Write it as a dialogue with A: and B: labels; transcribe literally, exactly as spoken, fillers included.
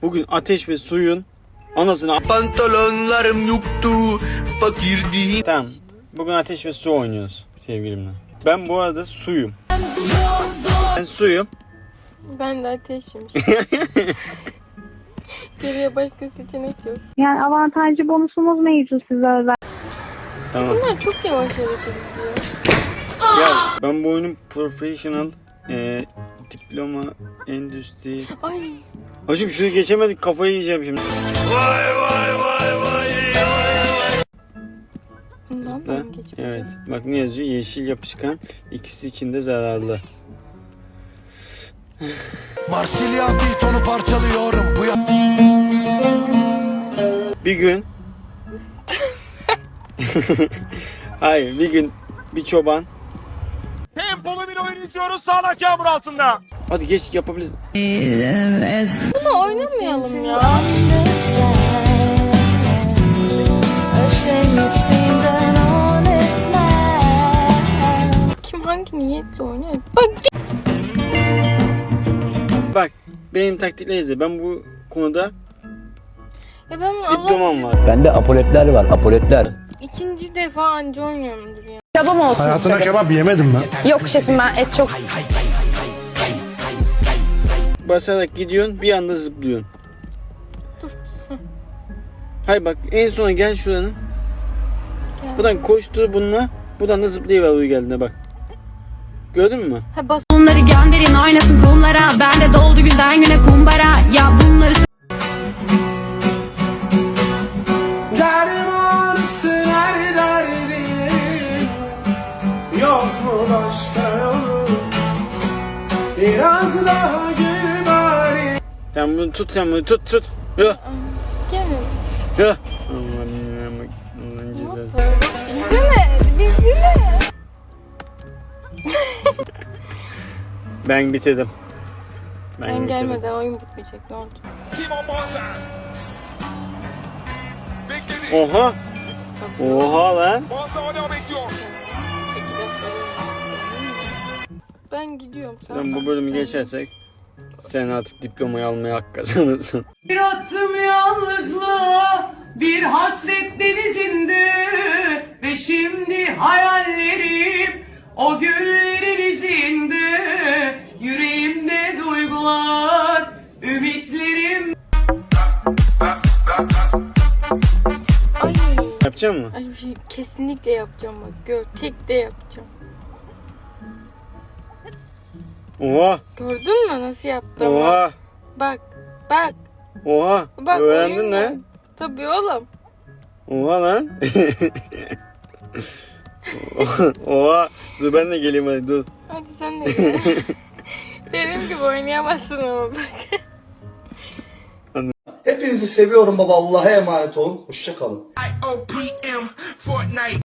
A: Bugün ateş ve suyun anasını...
B: Pantolonlarım yoktu, fakirdi.
A: Tamam. Bugün ateş ve su oynuyoruz sevgilimle. Ben bu arada suyum. Ben suyum.
C: Ben de ateşim. Geriye başka seçenek yok.
D: Yani avantajlı bonusumuz mevcut size özel.
A: Tamam.
C: Bunlar çok yavaş hareket ediyor.
A: Ya ben bu oyunun professional e, diploma endüstri...
C: Ay.
A: Hacım şunu geçemedik, kafayı yiyeceğim şimdi. Vay vay vay vay. Zıpla. Evet. Bak ne yazıyor? Yeşil yapışkan, ikisi için de zararlı.
B: Marsilya bir tonu parçalıyorum. Bu ya...
A: Bir gün hayır bir gün bir çoban.
E: Tempolu bir oyun izliyoruz sağanak yağmur altında.
A: Hadi geç yapabiliriz.
C: Bunu oynamayalım ya. Kim hangi niyetle oynuyor? Bak.
A: Bak benim taktikle izle. Ben bu konuda
C: Ya ben
A: diplomam var.
F: Bende apoletler var, apoletler.
C: İkinci defa anca oynuyorumdur ya.
G: Kebabım olsun
H: Hayatına
G: istedim.
H: kebap yemedim ben.
G: Yok şefim, ben et çok...
A: Basarak gidiyorsun, bir anda zıplıyorsun. Hayır bak en sona gel şuranın. Buradan koştur bununla. Buradan da zıplayıver uyu geldiğinde bak. Gördün mü?
C: Ha bas.
I: Onları gönderin oynasın kumlara. Ben de doldu günden güne kumbara. Ya bunları
E: Dermansın her derdim. Yok mu başka yolu? Biraz daha gül bari.
A: Sen bunu tut, sen bunu tut tut. Yo.
C: Gelme.
A: Yo. Allah'ım Allah'ın cezası.
C: Bizine. Bizine.
A: Ben bitirdim. Ben,
C: Ben
A: bitirdim.
C: gelmeden oyun bitmeyecek. Ne oldu?
A: Oha. Oha lan.
C: Ben gidiyorum. Sen
A: Sen bu bölümü geçersek sen artık diplomayı almaya hak kazanırsın.
J: Bir attım yalnızlığa, bir hasret denizinde ve şimdi hayallerim o güllerin izinde, yüreğimde duygular, ümitlerim.
C: Ay.
A: Yapacak mısın?
C: Ay bir şey kesinlikle yapacağım bak. Gör. Tek de yapacağım.
A: Oha.
C: Gördün mü nasıl yaptım?
A: Oha.
C: Bak. Bak.
A: Oha.
C: Bak.
A: Öğrendin
C: oyun
A: lan.
C: var. Tabii oğlum.
A: Oha lan. Oha. Dur ben de geleyim hadi dur.
C: Hadi sen de gel. Benim gibi oynayamazsın ama bak.
H: Hepinizi seviyorum baba. Allah'a emanet olun. Hoşça kalın.